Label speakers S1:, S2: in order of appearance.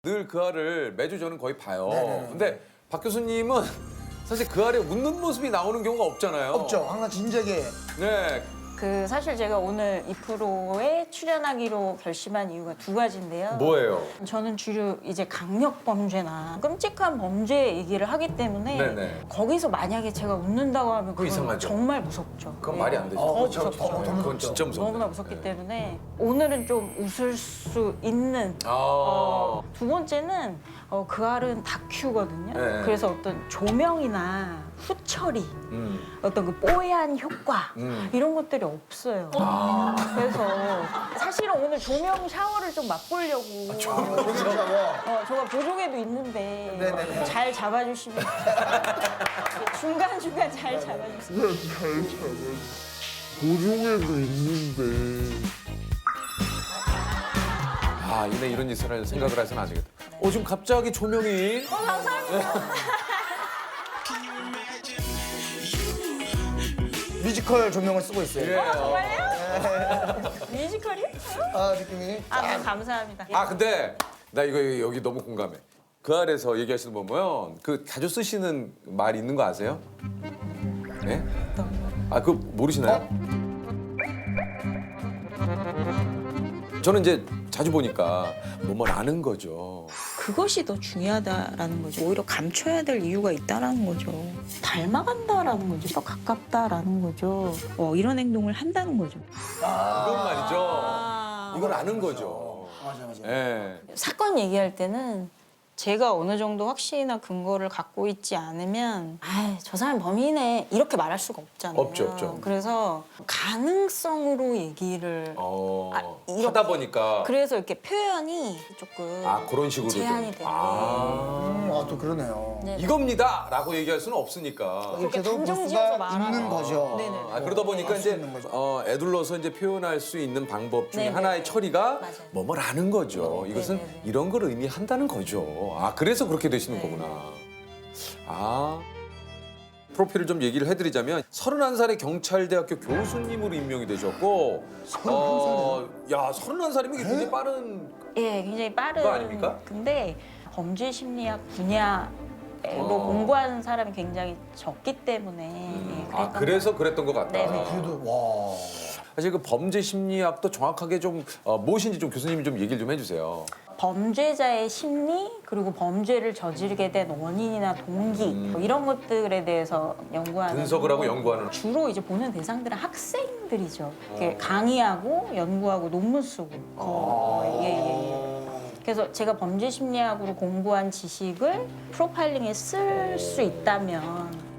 S1: 늘 그 알을 매주 저는 거의 봐요.
S2: 네네.
S1: 근데 박 교수님은 사실 그 알에 웃는 모습이 나오는 경우가 없잖아요.
S2: 없죠. 항상 진지하게.
S1: 네.
S3: 사실 제가 오늘 이 프로에 출연하기로 결심한 이유가 두 가지인데요.
S1: 뭐예요?
S3: 저는 주로 이제 강력 범죄나 끔찍한 범죄 얘기를 하기 때문에
S1: 네네.
S3: 거기서 만약에 제가 웃는다고 하면 그건
S1: 이상하죠.
S3: 정말 무섭죠.
S1: 그건
S3: 네.
S1: 말이 안 되죠.
S3: 더
S2: 그렇죠.
S3: 무섭죠.
S2: 더
S1: 그건 진짜 무섭죠.
S3: 너무나 무섭기 때문에 오늘은 좀 웃을 수 있는 두 번째는 그 알은 다큐거든요.
S1: 네.
S3: 그래서 어떤 조명이나 후처리, 어떤 그 뽀얀 효과 이런 것들이 없어요. 그래서 사실은 오늘 조명 샤워를 좀 맛보려고 제가 보조개도 있는데
S2: 네네네.
S3: 잘 잡아주시면 중간중간 잘 잡아주세요.
S4: 보조개도 있는데
S1: 아, 이내 이런 짓을 생각을 해서는 안 되겠다. 지금 갑자기 조명이.
S2: 뮤지컬 조명을 쓰고 있어요.
S1: 예.
S3: 정말요? 뮤지컬이요?
S2: 느낌이.
S3: 네, 감사합니다.
S1: 근데 나 이거 여기 너무 공감해. 그 알에서 얘기하시는 거 보면 그 자주 쓰시는 말 있는 거 아세요? 네? 그거 모르시나요? 저는 이제 자주 보니까 뭐뭐 아는 거죠.
S5: 그것이 더 중요하다라는 거죠. 오히려 감춰야 될 이유가 있다라는 거죠. 닮아간다라는 거죠. 더 가깝다라는 거죠. 이런 행동을 한다는 거죠.
S1: 그건 말이죠. 이걸 아는 거죠.
S2: 맞아.
S1: 예.
S3: 사건 얘기할 때는 제가 어느 정도 확신이나 근거를 갖고 있지 않으면 저 사람 범인이네 이렇게 말할 수가 없잖아요.
S1: 없죠.
S3: 그래서 가능성으로 얘기를 이렇게.
S1: 하다 보니까
S3: 그래서 이렇게 표현이 조금
S1: 그런 식으로
S3: 제한이
S1: 좀.
S3: 되네.
S2: 또 그러네요.
S3: 네.
S1: 이겁니다라고 얘기할 수는 없으니까.
S2: 이렇게도
S3: 단정
S2: 뉴스가
S3: 지어서 말하는
S2: 있는 거죠.
S3: 네네.
S1: 그러다 보니까
S2: 수
S1: 이제
S2: 있는 거죠.
S1: 애둘러서 이제 표현할 수 있는 방법 중에
S3: 네네네.
S1: 하나의 처리가
S3: 맞아요.
S1: 뭐뭐라는 거죠. 이것은
S3: 네네네.
S1: 이런 걸 의미한다는 거죠. 그래서 그렇게 되시는
S3: 네.
S1: 거구나. 프로필을 좀 얘기를 해드리자면 31살의 경찰대학교 교수님으로 임명이 되셨고 31살이면 이게 굉장히 빠른
S3: 예, 굉장히 빠른.
S1: 그거 아닙니까?
S3: 근데 범죄 심리학 분야로 공부하는 사람이 굉장히 적기 때문에 그랬던
S1: 그래서 그랬던 것 같다.
S3: 네네.
S2: 그래도 와.
S1: 사실 그 범죄 심리학도 정확하게 좀 무엇인지 좀 교수님이 좀 얘기를 좀 해주세요.
S3: 범죄자의 심리 그리고 범죄를 저지르게 된 원인이나 동기 뭐 이런 것들에 대해서 연구하는
S1: 분석을 하고 연구하는.
S3: 주로 이제 보는 대상들은 학생들이죠. 이렇게 강의하고 연구하고 논문 쓰고. 예. 그래서 제가 범죄 심리학으로 공부한 지식을 프로파일링에 쓸 수 있다면